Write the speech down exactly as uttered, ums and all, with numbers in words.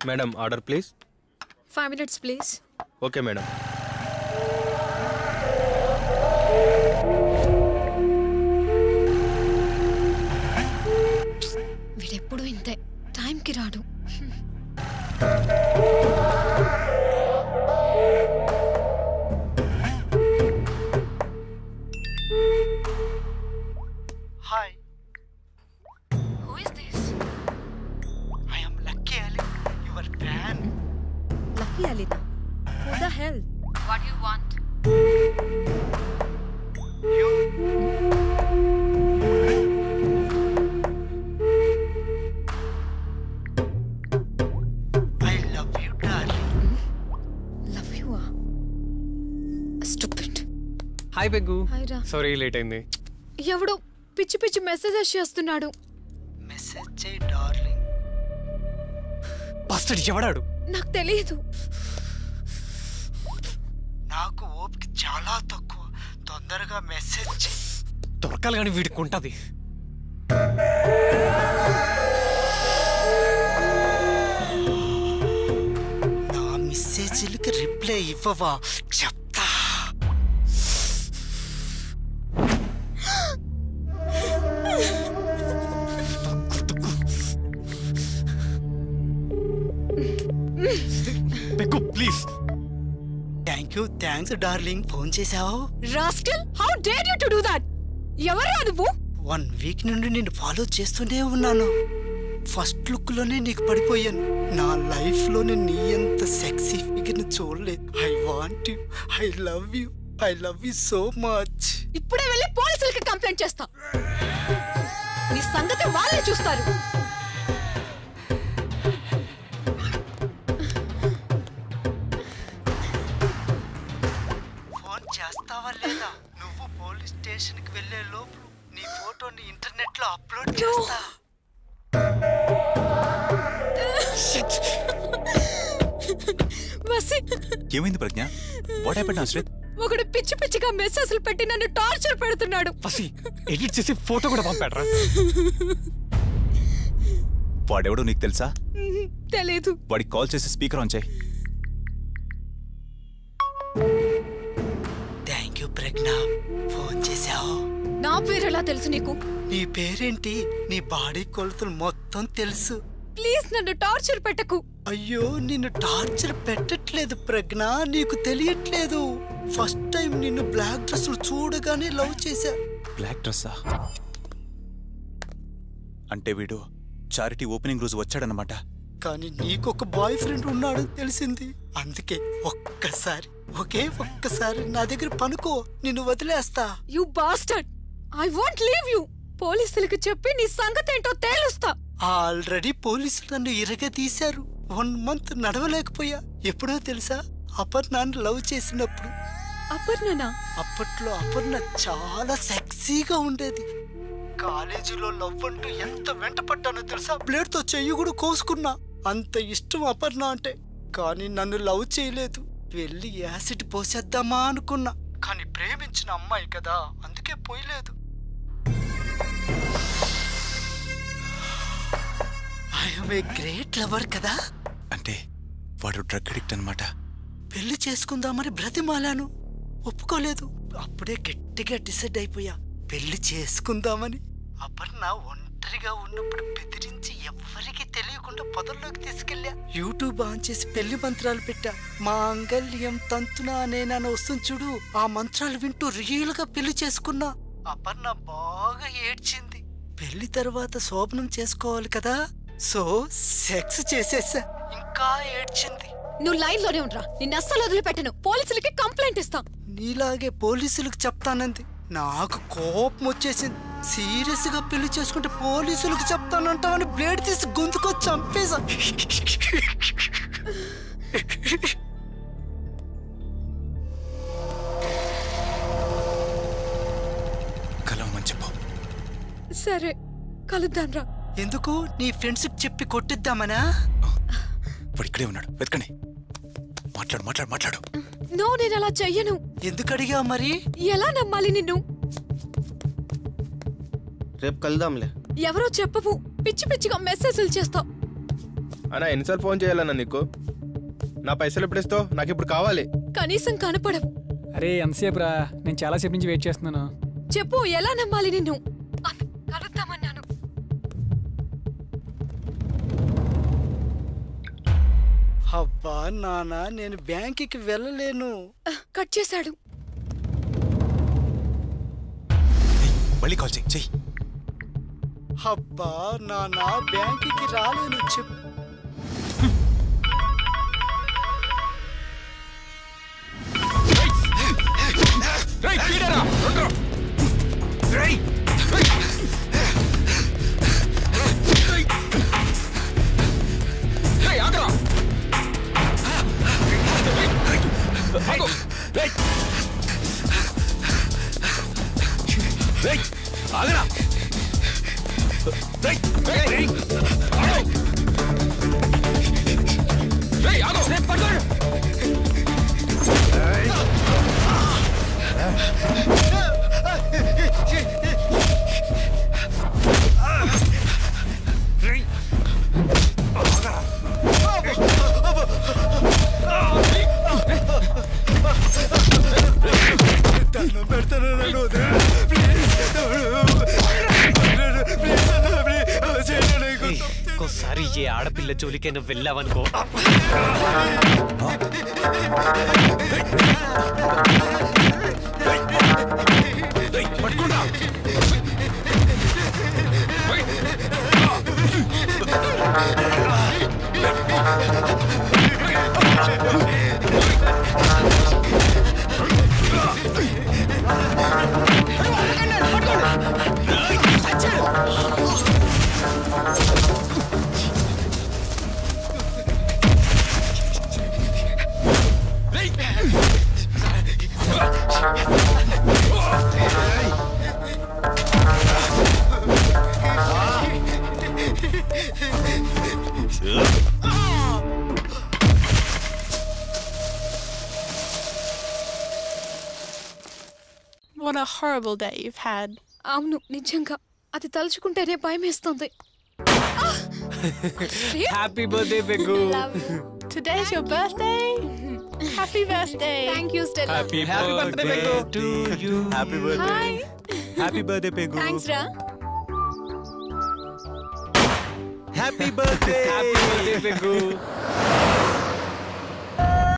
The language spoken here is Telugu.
Madam order please. Five minutes please. Okay madam. వీడెప్పుడు ఇంతే, టైంకి రాడు. Hi. Who is this? I am Lucky Ali, your fan. Lucky Alina. Who the hell? What do you want? You. I love you, darling. Love you ah? Stupid. Hi బెగ్గు. హాయ్ రా. సారీ లేట్ అయింది. ఎవడో పిచ్చి పిచ్చి మెసేజెస్ చేస్తున్నాడు. మెసేజ్ చేయి డార్లింగ్. బస్టర్డ్ ఎవడాడు? నాకు తెలియదు. నాకు ఓపిక చాలా తక్కువ, తొందరగా మెసేజ్ చేయి. దొరకాలి కానీ వీడికి ఉంటుంది. నా మెసేజ్లకి రిప్లై ఇవ్వవా చెప్తా. బెగ్గు please. Thank you thanks darling. Phone చేసావు? Rascal, how dare you to do that? ఎవరు నువ్వు? వన్ వీక్ నుండి నేను ఫాలో చేస్తూనే ఉన్నాను. ఫస్ట్ లుక్ లోనే నీకు పడిపోయాను. నా లైఫ్ లోనే నీ అంత సెక్సీ ఫిగర్ చూడలేదు. I want you, I love you, I love you so much. ఇప్పుడే వెళ్ళి పోలీసులకి కంప్లైంట్ చేస్తా. నీ సంగతి వాళ్ళే చూస్తారు. ఫోన్ చేస్తావా లేదా? నువ్వు పోలీస్ స్టేషన్ కి వెళ్లే లోపు నీ ఫోటోని ఇంటర్నెట్ లో అప్లోడ్ చేస్తా. ఏమైంది ప్రజ్ఞ? What happened Ashrith? ఒకడు పిచ్చి పిచ్చిగా మెసేజ్లు పెట్టి నన్ను టార్చర్ పెడుతున్నాడు. పసి ఎడిట్ చేసి ఫోటో కూడా పంపాడరా. వాడెవడో నీకు తెలుసా? తెలీదు. వాడికి కాల్ చేసి స్పీకర్ ఆన్ చేయి. థ్యాంక్ యూ ప్రజ్ఞ, ఫోన్ చేసావు. నా పేరు ఎలా తెలుసు నీకు? నీ పేరేంటి? నీ బాడీ కొలతలు మొత్తం తెలుసు. ప్లీజ్ నన్ను టార్చర్ పెట్టకు. అయ్యో నిన్ను టార్చర్ పెట్టట్లేదు ప్రజ్ఞ, నీకు తెలియట్లేదు. ఫస్ట్ టైం నిన్ను బ్లాక్ డ్రెస్ చూడగానే లవ్ చేశా. బ్లాక్ డ్రెస్సా? అంటే వీడు చారిటీ ఓపెనింగ్ రోజు వచ్చాడనమాట. కానీ నీకొక బాయ్ ఫ్రెండ్ ఉన్నాడని తెలిసింది. అందుకే ఒక్కసారి, ఒకే ఒక్కసారి నా దగ్గర పనుకో, నిన్ను వదిలేస్తా. You bastard, I want leave you. పోలీసులకు చెప్పి నీ సంగతి ఏంటో తేలుస్తా. ఆల్రెడీ పోలీసులు నన్ను ఇరగ తీశారు. వన్ మంత్ నడవలేకపోయా. ఎప్పుడో తెలుసా? అపర్ణాన్ని లవ్ చేసినప్పుడు. అపర్ణనా? అప్పట్లో అపర్ణ చాలా సెక్సీగా ఉండేది. కాలేజీలో లవ్ అంటూ ఎంత వెంట పడ్డానో తెలుసా? బ్లేడ్ తో చెయ్యి కూడా కోసుకున్నా. అంత ఇష్టం అపర్ణ అంటే. కానీ నన్ను లవ్ చేయలేదు. వెళ్ళి యాసిడ్ పోసేద్దామా అనుకున్నా. కానీ ప్రేమించిన అమ్మాయి కదా, అందుకే పోయలేదు. ఐఎమ్ ఏ గ్రేట్ లవర్ కదా. అంటే వాడు డ్రగ్ అడిక్ట్ అనమాట. పెళ్లి చేసుకుందామని బ్రతిమాలాను, ఒప్పుకోలేదు. అప్పుడే గట్టిగా డిసైడ్ అయిపోయా పెళ్లి చేసుకుందామని. అపర్ణ ఒంటరిగా ఉన్నప్పుడు బెదిరించి ఎవ్వరికి తెలియకుండా పొదల్లోకి తీసుకెళ్ళా. యూట్యూబ్ ఆన్ చేసి పెళ్లి మంత్రాలు పెట్టా. మాంగళ్యం తంతునా నేనని వస్తుంది చూడు, ఆ మంత్రాలు వింటూ రియల్ గా పెళ్లి చేసుకున్నా. అపర్ణ బాగా ఏడ్చింది. పెళ్లి తర్వాత శోభనం చేసుకోవాలి కదా, సో సెక్స్ చేసేసా. ఇంకా ఏడ్చింది. నువ్వు లైన్ లోనే ఉండరా, నిన్ను అస్సలు వదిలిపెట్టను. పోలీసులకి కంప్లైంట్ ఇస్తా. నీలాగే పోలీసులకు చెప్తానంది. నాకు కోపం వచ్చేసింది. సీరియస్ గా పెళ్లి చేసుకుంటే పోలీసులకు చెప్తానంటావని బ్లేడ్ తీసి గొంతుకొచ్చి చంపేశా. కలవమని చెప్పు. సరే కలుద్దాం రా. ఎందుకు? నీ ఫ్రెండ్స్ చెప్పి కొట్టిద్దామనా? వాడు ఇక్కడే ఉన్నాడు, వెతకండి. మాట్లాడు మాట్లాడు మాట్లాడు. నో, నేను అలా చెయ్యను. ఎందుకు అడిగా మరి? ఎలా నమ్మాలి నిన్ను? రేపు కలుద్దాంలే. ఎవరో చెప్పవు, పిచ్చి పిచ్చిగా మెసేజ్లు చేస్తావు. అన్నా ఎన్నిసార్లు ఫోన్ చేయాలన్నా నీకు? నా పైసలు ఎప్పుడు ఇస్తావు? నాకు ఇప్పుడు కావాలి. కనీసం కనపడవు. అరే ఎంతసేపు రా, నేను చాలాసేపు నుంచి వెయిట్ చేస్తున్నాను. చెప్పు, ఎలా నమ్మాలి నిన్ను? కలుద్దామన్నాను. అబ్బా నాన్న, నేను బ్యాంకుకి వెళ్ళలేను. కట్ చేశాడు. మళ్ళీ కాల్ చెయ్యి చెయ్యి. అబ్బా నాన్న, బ్యాంకుకి రాలేను. చెప్పు. ఆగరా. ఇంకోసారి ఏ ఆడపిల్ల జోలికే నువ్వు వెళ్ళావనుకో. What a horrible day you've had. అవును, నిజంగా అది తలుచుకుంటేనే భయం వేస్తుంది. హ్యాపీ బర్త్డే పెగ్గు. Today's your birthday? Happy birthday. Thank you Stella. Happy birthday పెగ్గు to you. Happy birthday. Hi. Happy birthday పెగ్గు. థాంక్స్ రా. Happy birthday. Happy birthday peg.